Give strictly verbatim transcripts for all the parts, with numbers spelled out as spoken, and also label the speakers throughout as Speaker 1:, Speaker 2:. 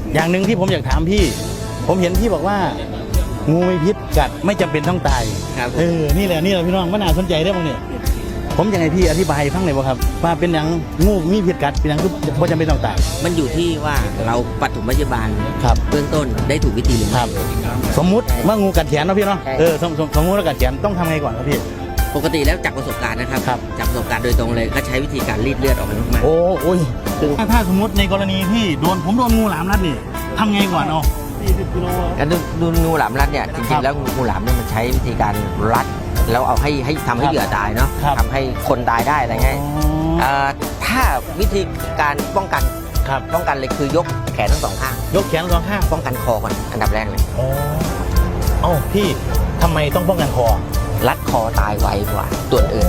Speaker 1: อย่างหนึ่งที่ผมอยากถามพี่ผมเห็นพี่บอกว่างูมีพิษกัดไม่จำเป็นต้องตาย
Speaker 2: ครับ
Speaker 1: เออนี่แหละนี่แหละพี่น้องมันน่าสนใจได้บ้างเนี่ยผมอยากให้พี่อธิบายฟังหน่อยบ่ครับว่าเป็นอย่างงูมีพิษกัดเป็นอย่างคือไม่จำเป็นต้องตาย
Speaker 2: มันอยู่ที่ว่าเราปฐมพยาบาลเบื้องต้นได้ถูกวิธีหรือไม่
Speaker 1: สมมุติว่างูกัดแขนเนาะพี่เนาะเออสมสมมุติว่ากัดแขนต้องทำไงก่อนครับพี่
Speaker 2: ปกติแล้วจากประสบการณ์นะครับจากประสบการณ์โดยตรงเลยก็ใช้วิธีการรีดเลือดออกมา
Speaker 1: โอ้โอ้ยถ้าสมมติในกรณีที่โดนผมโดนงูหลามรัดนี่ทำไงก่อนเอา
Speaker 2: การดูงูหลามรัดเนี่ยจริงๆแล้วงูหลามเนี่ยมันใช้วิธีการรัดแล้วเอาให้ให้ทำให้เหยื่อตายเนาะทำให้คนตายได้อะไรเงี้ยถ้าวิธีการป้องกันป้องกันเลยคือยกแขนทั้งสองข้าง
Speaker 1: ยกแขนทั้งสองข้าง
Speaker 2: ป้องกันคอก่อนอันดับแรกเลย
Speaker 1: อ๋อเอ้าพี่ทำไมต้องป้องกันคอ
Speaker 2: รัดคอตายไวกว่าตัวอื่น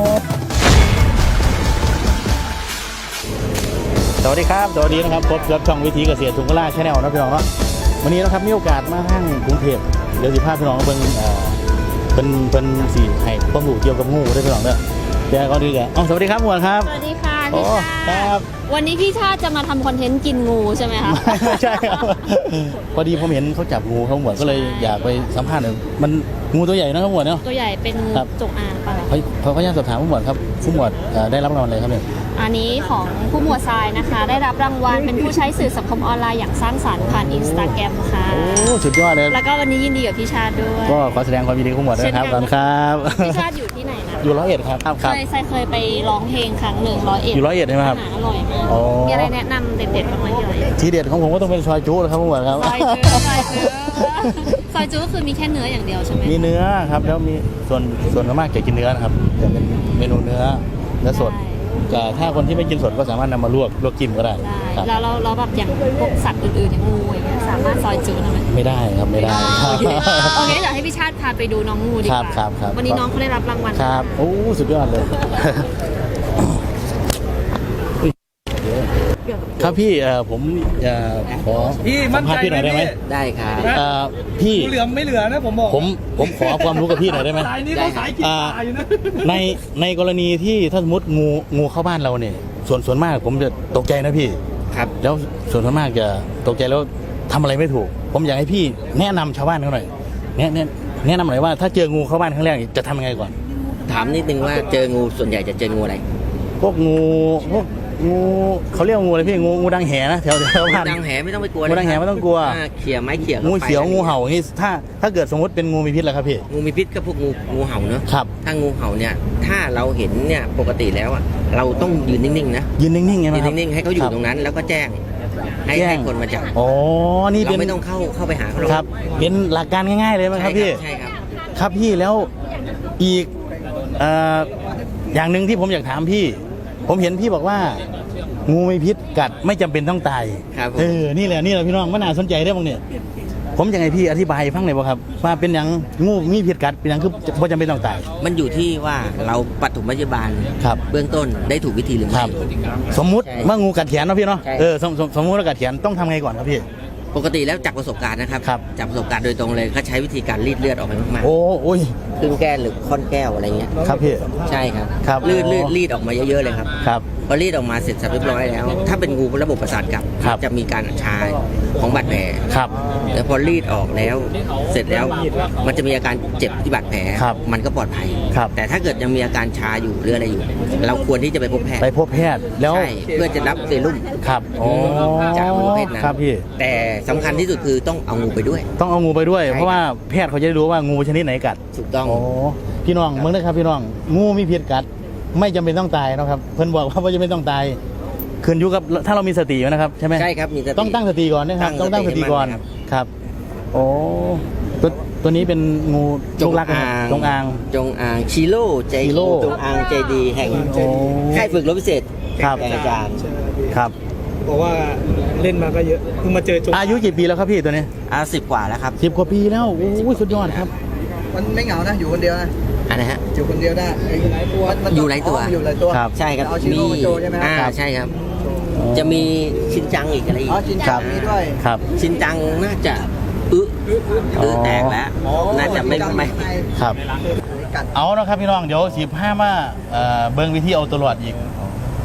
Speaker 1: สวัสดีครับสวัสดีนะครับพบกับช่องวิถีเกษตรทุ่งกล้าแชนแนลนะพี่น้องเนาะวันนี้นะครับมีโอกาสมาห้างกรุงเทพเดี๋ยวสิพาพี่น้องเบิ่งเป็นเป็นสีให้ความรู้เกี่ยวกับงูได้พี่น้องเด้อเดี๋ยวก็ดีกันอ๋อสวัสดีครับหมวดครับ
Speaker 3: สวัสดีค่ะพี่ชา
Speaker 1: ครับ
Speaker 3: วันนี้พี่ชาจะมาทำคอนเทนต์กินงูใช่ไหมคะ
Speaker 1: ใช่ครับพอดีผมเห็นเขาจับงูเขาหมวดก็เลยอยากไปสัมภาษณ์หน่อยมันงูตัวใหญ่นะครับหมวดเนาะ
Speaker 3: ตัวใหญ่เป็นงูจงอางป่ะ
Speaker 1: พอพยายามสอบถามผู้หมวดครับผู้หมวดได้รับรางวัลอะไรครับเนี่ย
Speaker 3: อันนี้ของผู้หมวดทรายนะคะได้รับรางวัลเป็นผู้ใช้สื่อสังคมออนไลน์อย่างสร้างสรรค์ผ่านอินสตาแกรมค่ะ
Speaker 1: โอ้สุดยอดเลย
Speaker 3: แล้วก็วันนี้ยินดีกับพี่ชาติด้วย
Speaker 1: ก็ขอแสดงความยินดีกับผู้หมวดด้วยครับก่อนครับ
Speaker 3: พี่ชาติอยู่ที่ไหนนะ
Speaker 1: อยู่ร้อยเอ็ดครับ
Speaker 3: เคยทรายเคยไปร้องเพลงครั้งหนึ่งร้อยเอ็ด
Speaker 1: อยู่ร้อยเอ็ดใช่ไหมครับ
Speaker 3: อร่อยมากมีอะไรแนะนำเด็ดๆบ้างไหมที่ร้อยเอ็ด
Speaker 1: ทีเด็ดของผมก็ต้องเป็นซอยจุ๊ครับผู้หมวดครับ
Speaker 3: ซอยจุ๊ซอยจุ๊ซอยจุ๊ก็คือมีแค่เนื้ออย่างเดียวใช่ไหม
Speaker 1: มีเนื้อครับแล้วมีส่วนส่วนมากจะกินเนื้อนะครับจะเป็นเมนูเนื้อเนื้อสดถ้าคนที่ไม่กินสดก็สามารถนำมาลวกลวกจิ้มก็ได้
Speaker 3: แล้วเราเราแบบอย่างพวกสัตว์อื่นๆอย่างงูอย่างเงี้ยสามารถซอยจุ๊ได้ไหม
Speaker 1: ไม่ได้ครับไม่ได้
Speaker 3: โอเคเดี๋ยวให้พี่ชาติพาไปดูน้องงูดีกว่าวันนี้น้องเขาได้รับรางวัล
Speaker 1: ครับโอ้สุดยอดเลยครับพี่ผมจะขอสัมภาษณ์พี่หน่อยได้ไหม
Speaker 2: ได้ครับ
Speaker 1: พี่
Speaker 4: เหลือไม่เหลือนะผมบอก
Speaker 1: ผมผมขอความรู้กับพี่หน่อยได้ไหมในในกรณีที่ถ้าสมมติงูงูเข้าบ้านเราเนี่ยส่วนส่วนมากผมจะตกใจนะพี่
Speaker 2: ครับ
Speaker 1: แล้วส่วนส่วนมากจะตกใจแล้วทำอะไรไม่ถูกผมอยากให้พี่แนะนำชาวบ้านเขาหน่อยแนะแนะแนะนำหน่อยว่าถ้าเจองูเข้าบ้านครั้งแรกจะทำยังไงก่อน
Speaker 2: ถามนิดนึงว่าเจองูส่วนใหญ่จะเจองูอะไร
Speaker 1: พวกงูพวกงูเขาเรียกงูอะไรพี่งูงูดังแหนะแถวแถวบ้าน
Speaker 2: ดังแหไม่ต้องไปกลัว
Speaker 1: งูดังแหไม่ต้องกลัว
Speaker 2: เขี่ยไม้เขี่ย
Speaker 1: งูเขียวงูเห่าอย่างนี้ถ้าถ้าเกิดสมมติเป็นงูมีพิษแล้วครับพี่
Speaker 2: งูมีพิษก็พวกงูงูเห่าเนอะ
Speaker 1: ครับ
Speaker 2: ถ้างูเห่าเนี่ยถ้าเราเห็นเนี่ยปกติแล้วอ่ะเราต้องยืนนิ่งๆนะ
Speaker 1: ยืนนิ่งๆไง
Speaker 2: ยืนนิ่งๆให้เขาอยู่ตรงนั้นแล้วก็แจ้งให้ให้คนมาจับ
Speaker 1: อ๋อนี่เป็น
Speaker 2: ไม่ต้องเข้าเข้าไปหาเขา
Speaker 1: ครับเป็นหลักการง่ายๆเลยไหมครับพี่
Speaker 2: ใช่ครับ
Speaker 1: ครับพี่แล้วอีกอย่างหนึ่งที่ผมอยากถามพี่ผมเห็นพี่บอกว่างูมีพิษกัดไม่จำเป็นต้องตายเออนี่แหละนี่แหละพี่น้องมันน่าสนใจได้บ้างเนี่ยผมอยากให้พี่อธิบายฟังหน่อยบ่ครับว่าเป็นอย่างงูมีพิษกัดเป็นอย่างคือไม่จำเป็นต้องตาย
Speaker 2: มันอยู่ที่ว่าเราปฐมพยาบาลเบื้องต้นได้ถูกวิธีหรือไม่
Speaker 1: สมมุติว่างูกัดแขนเนาะพี่เนาะเออสมสมมุติว่ากัดแขนต้องทำไงก่อนครับพี่
Speaker 2: ปกติแล้วจากประสบการณ์นะครับจากประสบการณ์โดยตรงเลยเขาใช้วิธีการรีดเลือดออกมามาก
Speaker 1: ๆโอ้โอ้ย
Speaker 2: ครึ่งแก้วหรือค่อนแก้วอะไรเงี้ย
Speaker 1: ครับพี่
Speaker 2: ใช่ครับ
Speaker 1: ครับ
Speaker 2: รีดรีดรีดออกมาเยอะๆเลยครับ
Speaker 1: ครับ
Speaker 2: พอรีดออกมาเสร็จสับเรียบร้อยแล้วถ้าเป็นงูระบบประสาทกลับจะมีการชาของบาดแผล
Speaker 1: ครับ
Speaker 2: แล้วพอรีดออกแล้วเสร็จแล้วมันจะมีอาการเจ็บที่บาดแผลมันก็ปลอดภัยแต่ถ้าเกิดยังมีอาการชาอยู่หรืออะไรอยู่เราควรที่จะไปพบแพทย์
Speaker 1: ไปพบแพทย์แล้ว
Speaker 2: เพื่อจะรับเซรุ่ม
Speaker 1: ครับ
Speaker 2: จากงูเพศนั้น
Speaker 1: ครับพี่
Speaker 2: แต่สำคัญที่สุดคือต้องเอางูไปด้วย
Speaker 1: ต้องเอางูไปด้วยเพราะว่าแพทย์เขาจะรู้ว่างูชนิดไหนกัด
Speaker 2: ถูกต้อง
Speaker 1: พี่น้องเมื่อนะครับพี่น้องงูมีพิษกัดไม่จำเป็นต้องตายนะครับเพิ่นบอกว่าไม่จำเป็นต้องตายขึ้นอยู่กับถ้าเรามีสตินะครับใช่ไหม
Speaker 2: ใช่ครับมีสติ
Speaker 1: ต้องตั้งสติก่อนนะครับต้องตั้งสติก่อนครับโอ้ตัวตัวนี้เป็นงู
Speaker 2: จงอาง
Speaker 1: จงอาง
Speaker 2: จงอางชิโร่ใจดีจงอางใจดีแห่งค่ายฝึกรบพิเศษ
Speaker 1: ครับ
Speaker 2: อาจารย์
Speaker 1: ครับ
Speaker 4: บอกว่าเล่นมาก็เยอะเพิ่งมาเจอจง
Speaker 1: อายุกี่ปีแล้วครับพี่ตัวนี้
Speaker 2: อาสิบกว่าแล้วครับ
Speaker 1: สิบกว่าปีแล้วโอ้สุดยอดครับ
Speaker 5: มันไม่เหงานะอยู่คนเดียวนะ
Speaker 2: อะไรฮะ
Speaker 5: อยู่คนเดียวได้
Speaker 2: อยู่หลายตัว
Speaker 5: อยู่หลายตัว
Speaker 2: ใช่ครับมีอ่าใช่ครับจะมีชินจังอีกอะไรอีก
Speaker 5: อ๋อชินจังมีด้วย
Speaker 1: ครับ
Speaker 2: ชินจังน่าจะอึอึแตกแล้วน่าจะไม่ไม่
Speaker 1: ครับเอานะครับพี่น้องเดี๋ยวสิบห้ามาเบิ้งวิธีเอาตัวรอดอีก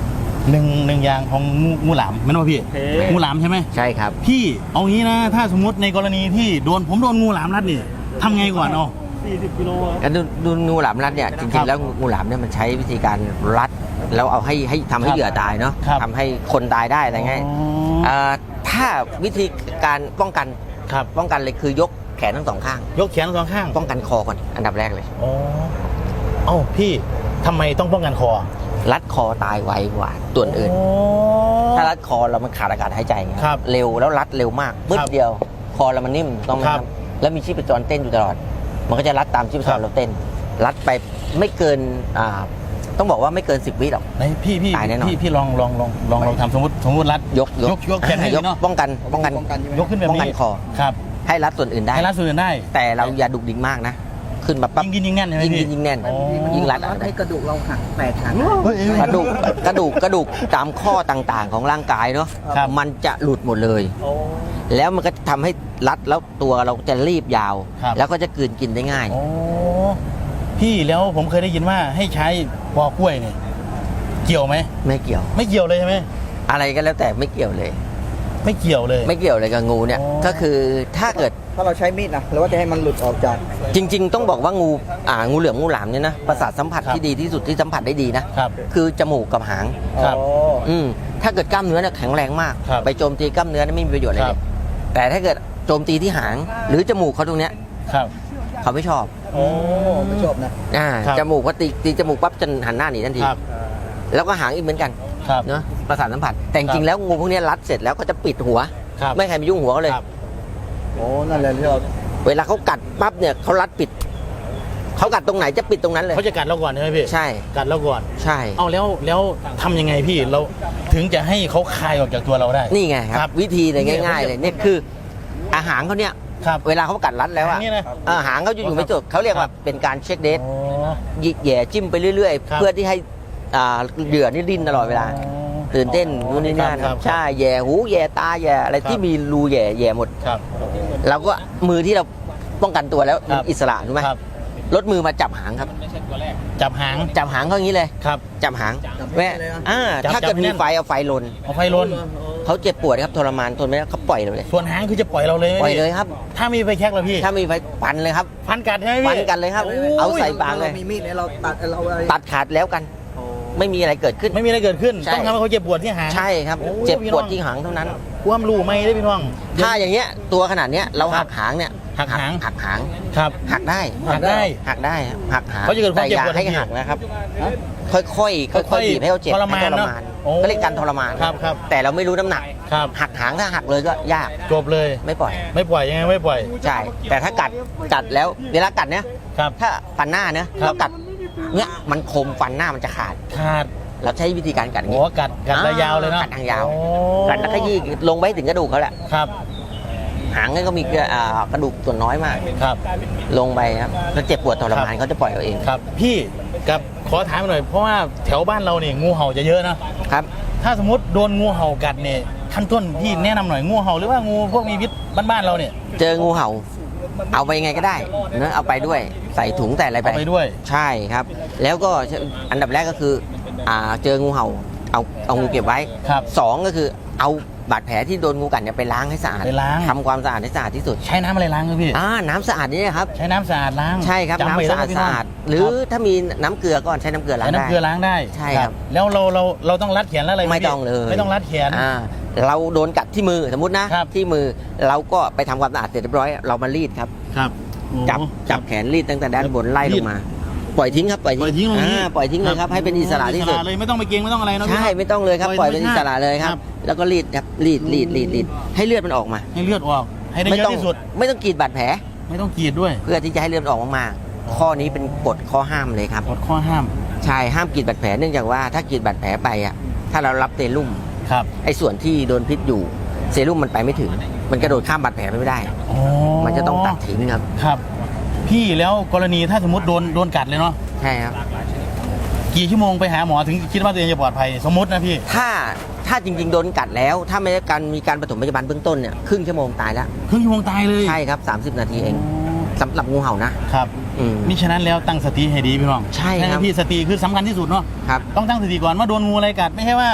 Speaker 1: หนึ่งหนึ่งอย่างของงูงูหลามไม่รู้พี่งูหลามใช่ไหม
Speaker 2: ใช่ครับ
Speaker 1: พี่เอางี้นะ ถ้าสมมติในกรณีที่โดนผมโดนงูหลามรัดนี่ทำไงก่อนเอา
Speaker 2: การดูดูงูหลามรัดเนี่ยจ
Speaker 1: ครั
Speaker 2: ริง
Speaker 1: บ
Speaker 2: ๆแล้วงูหลามเนี่ยมันใช้วิธีการรัดแล้วเอาให้ให้ทำให้
Speaker 1: ครับ
Speaker 2: เหยื่อตายเนาะ
Speaker 1: ครับ
Speaker 2: ทำให้คนตายได้อะไรเงี้ย
Speaker 1: อ๋อ
Speaker 2: เอ่อถ้าวิธีการป้องกัน
Speaker 1: ครับ
Speaker 2: ป้องกันเลยคือยกแขนทั้งสองข้าง
Speaker 1: ยกแขนสองข้าง
Speaker 2: ป้องกันคอก่อนอันดับแรกเลย
Speaker 1: อ๋อเอ้าพี่ทำไมต้องป้องกันคอ
Speaker 2: รัดคอตายไวกว่าตัวอื่น
Speaker 1: โอ้
Speaker 2: ถ้ารัดคอเรามันขาดอากาศหายใจไง
Speaker 1: ครับ
Speaker 2: เร็วแล้วรัดเร็วมากปึ๊
Speaker 1: ค
Speaker 2: บ
Speaker 1: รับ
Speaker 2: เดียวคอเรามันนิ่มต้องไหม
Speaker 1: ค
Speaker 2: ค
Speaker 1: รั
Speaker 2: รับ บแล้วมีชีพจรเต้นอยู่ตลอด มันก็จะรัดตามชีพจ
Speaker 1: ครั
Speaker 2: ร
Speaker 1: บ
Speaker 2: เราเต้น รัดไปไม่เกินอ่าต้องบอกว่าไม่เกินสิบวิหรอก
Speaker 1: ไหนพี่พี่
Speaker 2: ตายแน่นอน
Speaker 1: พี่พี่ลองลองลองลองลองทำสมมติสมมติรัด
Speaker 2: ยก
Speaker 1: ยกยกแขนให้
Speaker 2: ยก
Speaker 1: เนาะ
Speaker 2: ป้องกันป้องกัน
Speaker 5: ป้องกันใช่ไหม
Speaker 1: ยกขึ้นแบบ
Speaker 2: ป้องกั
Speaker 1: นี้
Speaker 2: นคอ
Speaker 1: ครับ
Speaker 2: ให้รัดส่วนอื่นได้
Speaker 1: ให้รัดส่วนอื่นได้
Speaker 2: แต่เราอย่าดุกดิกมากนะ ขึ้นมาปั๊บ
Speaker 1: ยิงกินยิงแน่นใช่ไหม
Speaker 2: ยิง
Speaker 1: พี่
Speaker 2: ยิงยิงแน่น
Speaker 1: อ๋อ
Speaker 2: ยิงรัด
Speaker 5: รัดให้กระดูกเราหักแตกหัก
Speaker 1: เฮ้ยเอ้ย
Speaker 2: กระดูกกระดูกกระดูกตามข้อต่างๆ ของร่างกายเนาะ
Speaker 1: ครับ
Speaker 2: มันจะหลุดหมดเลย แล้วมันก็ทำให้รัดแล้วตัวเราจะรีบยาว
Speaker 1: ครับ
Speaker 2: แล้วก็จะกลืนกินได้ง่าย
Speaker 1: โอ้พี่แล้วผมเคยได้ยินว่าให้ใช้ปอกล้วยเนี่ยเกี่ยวไหม
Speaker 2: ไม่เกี่ยว
Speaker 1: ไม่เกี่ยวเลยใช่ไหม
Speaker 2: อะไรก็แล้วแต่ไม่เกี่ยวเลย
Speaker 1: ไม่เกี่ยวเลย
Speaker 2: ไม่เกี่ยวเลยกับงูเนี่ย
Speaker 1: อ๋อ
Speaker 2: ก็คือถ้าเกิด
Speaker 5: ถ้าเราใช้มีดนะหรือว่าจะให้มันหลุดออกจาก
Speaker 2: จริง ๆ ต้องบอกว่างูอ่างูเหลือมงูหลามเนี่ยนะประสาทสัมผัส
Speaker 1: ครับ
Speaker 2: ที่ดีที่สุดที่สัมผัสได้ดีนะครับ คือจมูกกับหาง
Speaker 1: ครับ
Speaker 5: อ๋อ
Speaker 2: อืมถ้าเกิดกล้ามเนื้อเนี่ยแข็งแรงมาก
Speaker 1: ครับ
Speaker 2: ไปโจมตีกล้ามเนื้อเนี่ยไม่มีประโยชน์อะไร
Speaker 1: ค
Speaker 2: เล
Speaker 1: รับ
Speaker 2: ยแต่ถ้าเกิดโจมตีที่หาง หรือจมูกเขาตรงเนี้ย
Speaker 1: ครับ
Speaker 2: เขาไม่ชอบ
Speaker 1: โอ้
Speaker 5: ไม่ชอบนะ
Speaker 2: อ่า
Speaker 1: ครับ
Speaker 2: จมูกเขาตีตีจมูกปั๊บจะหันหน้าหนีทันที
Speaker 1: ครับ
Speaker 2: แล้วก็หางอีกเหมือนกัน
Speaker 1: ครับ
Speaker 2: เนาะประสาทสัมผัส แต่จ
Speaker 1: ครั
Speaker 2: ริง
Speaker 1: บ
Speaker 2: ๆแล้วงูพวกเนี้ยรัดเสร็จแล้วก็จะปิดหัว
Speaker 1: ครับ
Speaker 2: ไม่ให้ใครไปยุ่งหัวเขาเลย
Speaker 1: ครับ
Speaker 5: โอ้นั่นแหละที่เรา
Speaker 2: เวลาเขากัดปั๊บเนี่ยเขารัดปิดเขากัดตรงไหนจะปิดตรงนั้นเลย
Speaker 1: เขาจะกัดเราก่อนใช่ไหมพี่
Speaker 2: ใช่
Speaker 1: กัดเราก่อน
Speaker 2: ใช่
Speaker 1: เอาแล้วแล้วทำยังไงพี่เราถึงจะให้เขาคายออกจากตัวเราได้
Speaker 2: นี่ไงค
Speaker 1: ครั
Speaker 2: รับ
Speaker 1: บ
Speaker 2: วิธีเลย
Speaker 1: นี่
Speaker 2: ง่าย ๆ
Speaker 1: ผมจะ
Speaker 2: เลยเนี่ยคืออาหารเขาเนี่ย
Speaker 1: ครับ
Speaker 2: เวลาเขากัดรัดแล้วอะ
Speaker 1: หางเนี่ยนะ
Speaker 2: อาหารเขาจะอยู่ไม่จบเขาเรียก
Speaker 1: ครั
Speaker 2: ว่า
Speaker 1: บ
Speaker 2: เป็นการเช็คเดท
Speaker 1: อ๋อ
Speaker 2: หยิกแหย่จิ้มไปเรื่อย
Speaker 1: ครั
Speaker 2: ๆ
Speaker 1: บ
Speaker 2: เพื่อที่ให้อ่าเหยื่อนี่ดิ้นตลอดเวลา ตื่นเต้นนู่นนี่นั่น
Speaker 1: ครับ
Speaker 2: ใช่แหย่หูแหย่ตาแหย่อะไร
Speaker 1: ครับ
Speaker 2: ที่มีรูแหย่แหย่หมด
Speaker 1: ครับ
Speaker 2: เราก็มือที่เราป้องกันตัวแล้ว
Speaker 1: ครับ
Speaker 2: อิสระถูกไหม
Speaker 1: ครับ
Speaker 2: ลดมือมาจับหางครับ
Speaker 1: จับหาง
Speaker 2: จับหางเขาอย่างนี้เลย
Speaker 1: ครับ
Speaker 2: จับหาง
Speaker 5: จับ
Speaker 2: แม่
Speaker 5: เลยนะ
Speaker 2: อ่า
Speaker 1: จับ
Speaker 2: ถ้าเกิด
Speaker 1: จับ
Speaker 2: มี
Speaker 1: แน่น
Speaker 2: ไฟเอาไฟลน
Speaker 1: เอาไฟลน
Speaker 2: เขาเจ็บปวดครับทรมานทนไม่ได้เขาปล่อยเราเลย
Speaker 1: ส่วนหางคือจะปล่อยเราเลยไหม
Speaker 2: ปล่อยเลยครับ
Speaker 1: ถ้ามีไฟแช็กแล้วพี่
Speaker 2: ถ้ามีไฟปันเลยครับ
Speaker 1: ฟันกัดใช่ไหมพี่
Speaker 2: ปันกันเลยครับ
Speaker 1: โ
Speaker 2: เอาใส่ปากเลย
Speaker 5: เรามีมีดเนี่ยเราตัดเราอะไร
Speaker 2: ตัดขาดแล้วกัน ไม่มีอะไรเกิดขึ้น
Speaker 1: ไม่มีอะไรเกิดขึ้น
Speaker 2: ใช่
Speaker 1: ต้องทำให้เขาเจ็บปวดที่หาง
Speaker 2: ใช่ครับ
Speaker 1: โอ้
Speaker 2: เจ็บ
Speaker 1: พี่
Speaker 2: ป
Speaker 1: น้
Speaker 2: ว
Speaker 1: อ
Speaker 2: ด
Speaker 1: ง
Speaker 2: ที่หางเท่านั้น
Speaker 1: ความรู้ไหมได้พี่น้อง
Speaker 2: ถ้าอย่างเงี้ยตัวขนาดเนี้ยเรา
Speaker 1: ครั
Speaker 2: หั
Speaker 1: บ
Speaker 2: กหางเนี่ย
Speaker 1: หักหาง
Speaker 2: หักหาง
Speaker 1: ครับ
Speaker 2: หักได้
Speaker 1: หักได้
Speaker 2: หักได้หักหาง
Speaker 1: เขาจะเกิดความ
Speaker 2: แต่อย่า
Speaker 1: เจ็บปวด
Speaker 2: ให้
Speaker 1: ทันที
Speaker 2: หักนะครับ ค่อยๆค่อยๆ
Speaker 1: ค่อยๆ
Speaker 2: บีบให้เขาเจ็บ
Speaker 1: ทรมาน
Speaker 2: ให้ทร
Speaker 1: เนอะ
Speaker 2: มาน
Speaker 1: โอ้
Speaker 2: ก็เรียกการทรมาน
Speaker 1: ครับครับ
Speaker 2: แต่เราไม่รู้น้ำหนัก
Speaker 1: ครับ
Speaker 2: หักหางถ้าหักเลยก็ยาก
Speaker 1: จบเลย
Speaker 2: ไม่ปล่อย
Speaker 1: ไม่ปล่อยยังไงไม่ปล่อย
Speaker 2: ใช่ แต่ถ้ากัดกัดแล้วเวลากัดเนี่ย
Speaker 1: ครับ
Speaker 2: ถ้าฟันหน้าเนอะ
Speaker 1: ครับ
Speaker 2: เรากัดเนี่ยมันคมฟันหน้ามันจะขาด
Speaker 1: ขาด
Speaker 2: เราใช้วิธีการกัดอย่าง
Speaker 1: โอ้
Speaker 2: นี้
Speaker 1: กัดกัดระยาวเลยเนาะ
Speaker 2: กัดทางยาว
Speaker 1: โอ้
Speaker 2: กัดแล้วก็ยี่ลงไปให้ถึงกระดูกเขาแหละ
Speaker 1: ครับ
Speaker 2: หางนี่ก็มีอ่ากระดูกส่วนน้อยมาก
Speaker 1: ครับ
Speaker 2: ลงไปครับแล้วเจ็บปวดทรมาน
Speaker 1: ครับ
Speaker 2: เขาจะปล่อยเราเอง
Speaker 1: ครับพี่กับขอถามหน่อยเพราะว่าแถวบ้านเราเนี่ยงูเห่าจะเยอะนะ
Speaker 2: ครับ
Speaker 1: ถ้าสมมติโดนงูเห่ากัดเนี่ยขั้นต้นพี่แนะนำหน่อยงูเห่าหรือว่างูพวกมีพิษบ้านๆเราเนี่ย
Speaker 2: เจองูเห่า เอาไปยังไงก็ได้เนอะเอาไปด้วยใส่ถุงใส่อะไรไป
Speaker 1: เอาไปด้วย
Speaker 2: ใช่ครับ แล้วก็อันดับแรกก็คืออ่าเจองูเห่าเอาเอางูเก็บไว้
Speaker 1: ครับ
Speaker 2: สองก็คือเอาบาดแผลที่โดนงูกัดเนี่ยไปล้างให้สะอาด
Speaker 1: ไปล้าง
Speaker 2: ทำความสะอาดให้สะอาดที่สุด
Speaker 1: ใช้น้ำอะไรล้างครับพี่
Speaker 2: อ่าน้ำสะอาดนี่นะครับ
Speaker 1: ใช้น้ำสะอาดล้าง
Speaker 2: ใช่ครับ
Speaker 1: จำไว้
Speaker 2: น้ำสะอาด
Speaker 1: แล้วพี่
Speaker 2: สะ
Speaker 1: น้ง
Speaker 2: อาดหรือถ้ามีน้ำเกลือก็ใช้น้ำเกลือล้าง
Speaker 1: ใช้
Speaker 2: ได้
Speaker 1: น้ำเกลือล้างได้
Speaker 2: ใช่ครับ
Speaker 1: แล้วเราเราเราต้องรัดแขนแล้วอะไรห
Speaker 2: ไม่
Speaker 1: พี่
Speaker 2: ต้องเลย
Speaker 1: ไม่ต้องรัดแขน
Speaker 2: อ่าเราโดนกัดที่มือสมมตินะครับ ที่มือเราก็ไปทำความสะอาดเสร็จเรียบร้อยเรามารีดครับ
Speaker 1: ครับโอ้
Speaker 2: จับจับแขนรีดตั้งแต่ด้านบนไล่ลงมา ปล่อยทิ้งครับปล่อย
Speaker 1: ปล่อยทิ้งลงนี้
Speaker 2: อ่าปล่อยทิ้งเลยครับให้เป็นอิสระที่สุด
Speaker 1: อิเลยไม่ต้องไปเกรงไม่ต้องอะไรเนอะพี่
Speaker 2: ใช่
Speaker 1: เนอะ
Speaker 2: ไม่ต้องเลยครับ
Speaker 1: ป
Speaker 2: ป
Speaker 1: ล่
Speaker 2: ล่
Speaker 1: อ
Speaker 2: อย ย
Speaker 1: ธรรม
Speaker 2: เป็นอิสระเลยครับ
Speaker 1: ครับ
Speaker 2: แล้วก็รีดครับรีดรีดรีดรีดให้เลือดมันออกมา
Speaker 1: ให้เลือดออกให้ได้
Speaker 2: ไม่
Speaker 1: เย
Speaker 2: ต้อ
Speaker 1: อะ
Speaker 2: ง
Speaker 1: ที่สุด
Speaker 2: ไม่ต้องกรีดบาดแผล
Speaker 1: ไม่ต้องกรีดด้วย
Speaker 2: เพื่อที่จะให้เลือดมันออกมากๆข้อนี้เป็นกฎข้อห้ามเลยครับ
Speaker 1: กดข้อห้าม
Speaker 2: ใช่ห้ามกรีดบาดแผลเนื่องจากว่าถ้ากรีดบาดแผลไปอ่ะถ้าเรารับเซรุ่ม
Speaker 1: ครับ
Speaker 2: ไอ้ส่วนที่โดนพิษอยู่เซรุ่มมันไปไม่ถึง มันกระโดดข้ามบาดแผลไปไม่ได้
Speaker 1: อ๋อ
Speaker 2: มันจะต้องตัดทิ้งครับ
Speaker 1: ครับ พี่แล้วกรณีถ้าสมมติโดนโดนกัดเลยเนาะ
Speaker 2: ใช่ครับ
Speaker 1: กี่ชั่วโมงไปหาหมอถึงคิดว่าตัวเองจะปลอดภัยสมมตินะพี่
Speaker 2: ถ้าถ้าจริงๆโดนกัดแล้ว ถ้าไม่ได้การมีการปฐมพยาบาลเบื้องต้นเนี่ยครึ่งชั่วโมงตายแล้ว
Speaker 1: ครึ่งชั่วโมงตายเลย
Speaker 2: ใช่ครับ30 นาทีเองสำหรับงูเห่านะครับ อืม
Speaker 1: มิฉะนั้นแล้วตั้งสติให้ดีพี่น้อง
Speaker 2: ใช่ครับ
Speaker 1: พี่สติคือสำคัญที่สุดเนาะ
Speaker 2: ครับ
Speaker 1: ต้องตั้งสติก่อนว่าโดนงูอะไรกัดไม่ใช่ว่า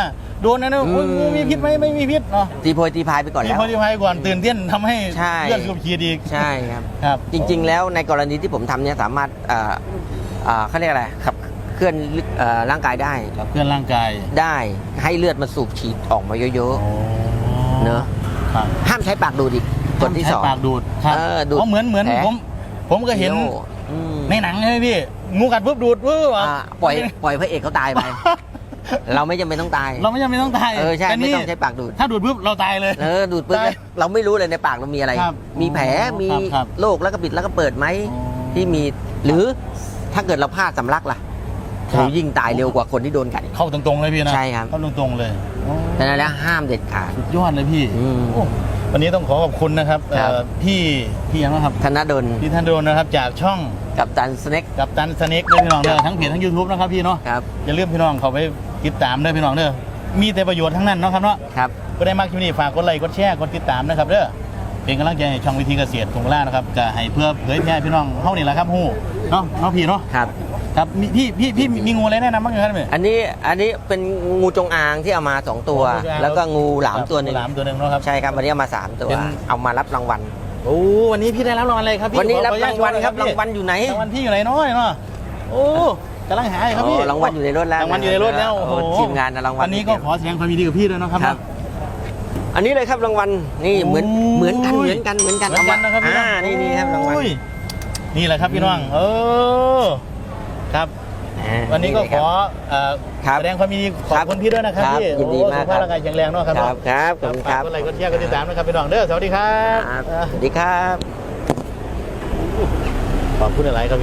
Speaker 1: โดนนะเนอะ
Speaker 2: อืม
Speaker 1: โอ้ยงูมีพิษไหมไม่มีพิษเนาะ
Speaker 2: ตีโพยตีพายไปก่อน
Speaker 1: ที่
Speaker 2: แล้ว
Speaker 1: พอที่พายก่อนตื่นเต้นทำให้
Speaker 2: ใช่
Speaker 1: เลือดสูบฉีดอีก
Speaker 2: ใช่ครับ
Speaker 1: ครับ
Speaker 2: จริง ๆ แล้วในกรณีที่ผมทำเนี่ยสามารถเอ่อเอ่อเขาเรียกอะไรขับเคลื่อนเอ่อร่างกายได้
Speaker 1: กับเคลื่อนร่างกาย
Speaker 2: ได้ให้เลือดมันสูบฉีดออกมาเยอะ เนอะ
Speaker 1: ครับ
Speaker 2: ๆ ห้ามใช้ปากดูดอีกคนที่
Speaker 1: ใช้
Speaker 2: สอง
Speaker 1: ปากดูดครับ
Speaker 2: เออดูด
Speaker 1: เพราะเหมือนเหมือน
Speaker 2: แผล
Speaker 1: ผม ผมก็เห็น
Speaker 2: โย่อืม
Speaker 1: ในหนังใช่ไหมพี่ งูกัดปุ๊บดูดปุ๊บ
Speaker 2: อ่าปล่อยปล่อยพระเอกเขาตายไป เราไม่จำเป็นต้องตาย
Speaker 1: เราไม่จำเป็นต้องตาย
Speaker 2: เออใช่
Speaker 1: แต่
Speaker 2: ไม่
Speaker 1: นี่
Speaker 2: ต้องใช้ปากดูด
Speaker 1: ถ้าดูดปุ๊บเราตายเลย
Speaker 2: เออดูดปุ๊บ
Speaker 1: ตาย
Speaker 2: เราไม่รู้เลยในปากเรามีอะไร
Speaker 1: ครับ
Speaker 2: มีแผลมี
Speaker 1: ครับครับ
Speaker 2: โรคแล้วก็ปิดแล้วก็เปิดไหม
Speaker 1: อ๋อ
Speaker 2: ที่มีหรือถ้าเกิดเราพลาดสำลักล่ะ
Speaker 1: ครับ
Speaker 2: โหยิ่งตายเร็วกว่าคนที่โดนกัดอีก
Speaker 1: เข้าตรงๆเลยพี่นะ
Speaker 2: ใช่ครับ
Speaker 1: เข้าตรงๆเลยโอ้
Speaker 2: ดังนั้นแล้วห้ามเด็ดขาด
Speaker 1: สุดยอดเลยพี่
Speaker 2: อืม
Speaker 1: โอ้วันนี้ต้องขอขอบคุณนะครับ
Speaker 2: ครับ
Speaker 1: เอ่อพี่พี่ยังนะครับ
Speaker 2: ธนดล
Speaker 1: พี่ท่านโดนนะครับจากช่อง
Speaker 2: กับตันสเน็ก
Speaker 1: กับตันสเน็กด้วยพี่น้องเด้อทั้งเพจทั้ง YouTube นะครับพี่เนาะ
Speaker 2: ครับ
Speaker 1: อย่าลืมพี่น้องเขาไปติดตามด้วยพี่น้องเด้อมีแต่ประโยชน์ทั้งนั้นเนาะครับเนาะ
Speaker 2: ครับ
Speaker 1: ก็ได้มากคลิปนี้ฝากกดไลค์กดแชร์กดติดตามนะครับเด้อเป็นกำลังใจให้ช่องวิธีเกษตรทงล่านะครับก็ให้เพื่อเผยแพร่พี่น้องเฮานี่แหละครับฮู้เนาะเนาะพี่เนาะ
Speaker 2: ครับ
Speaker 1: ครับมีพี่พี่พี่มีงูอะไรแนะนำบ้างครับพี่
Speaker 2: อันนี้อันนี้เป็นงูจงอางที่เอามาสองตัว
Speaker 1: งูจงอาง
Speaker 2: แล้วก็งูหลามตัวหนึ่ง
Speaker 1: งูหลามตัวหนึ่งเนาะครับ
Speaker 2: ใช่ครับวันนี้เอามาสามตัว
Speaker 1: เป็น
Speaker 2: เอามารับรางวัล
Speaker 1: โอ้วันนี้พี่ได้รับรางวัลอะไรครับพี่
Speaker 2: วันนี้รับ
Speaker 1: ขออ
Speaker 2: รางวัลครับ
Speaker 1: ญาต
Speaker 2: รางวัลอยู่ไหน
Speaker 1: รางวัลพี่อยู่ไหนเนาะเนาะโอ้กำลังหาอยู่ครับพี่
Speaker 2: โอ้รางวัลอยู่ในรถแล้ว
Speaker 1: รางวัลอยู่ในรถแล้ว
Speaker 2: โอ้
Speaker 1: โอ้โห
Speaker 2: ทีมงานนะรางวัล
Speaker 1: วันนี้ก็ขอแสดงความยินดีกับพี่ด้วยเนาะครับ
Speaker 2: ครับ อันนี้เลยครับรางวัลนี่เหมือน
Speaker 1: โอ้ย
Speaker 2: เหมือนกันเหมือนกันเหมือนกัน
Speaker 1: เหมือนกันนะครับพี่
Speaker 2: อ่านี่นี่ครับรางวัล
Speaker 1: โอ้ยนี่แหละครับพี่น้องเออครับ
Speaker 2: อ่า
Speaker 1: วันนี้ก็ขอเอ่อ
Speaker 2: ครับ
Speaker 1: แสดงความยินดีขอบคุณพี่ด้วยนะครับ
Speaker 2: ครับ
Speaker 1: พี่
Speaker 2: ยินดีมาก
Speaker 1: โอ้สุขภาพร่างกายแข็งแรงเนาะครับ
Speaker 2: ครับครับขอบคุณครับ
Speaker 1: ฝากกดไลค์กดแชร์กดติดตามนะครับพี่น้องเด้อสวัสดีครับ
Speaker 2: ครับสวัสดีครับ
Speaker 1: ขอบคุณหลายๆครับ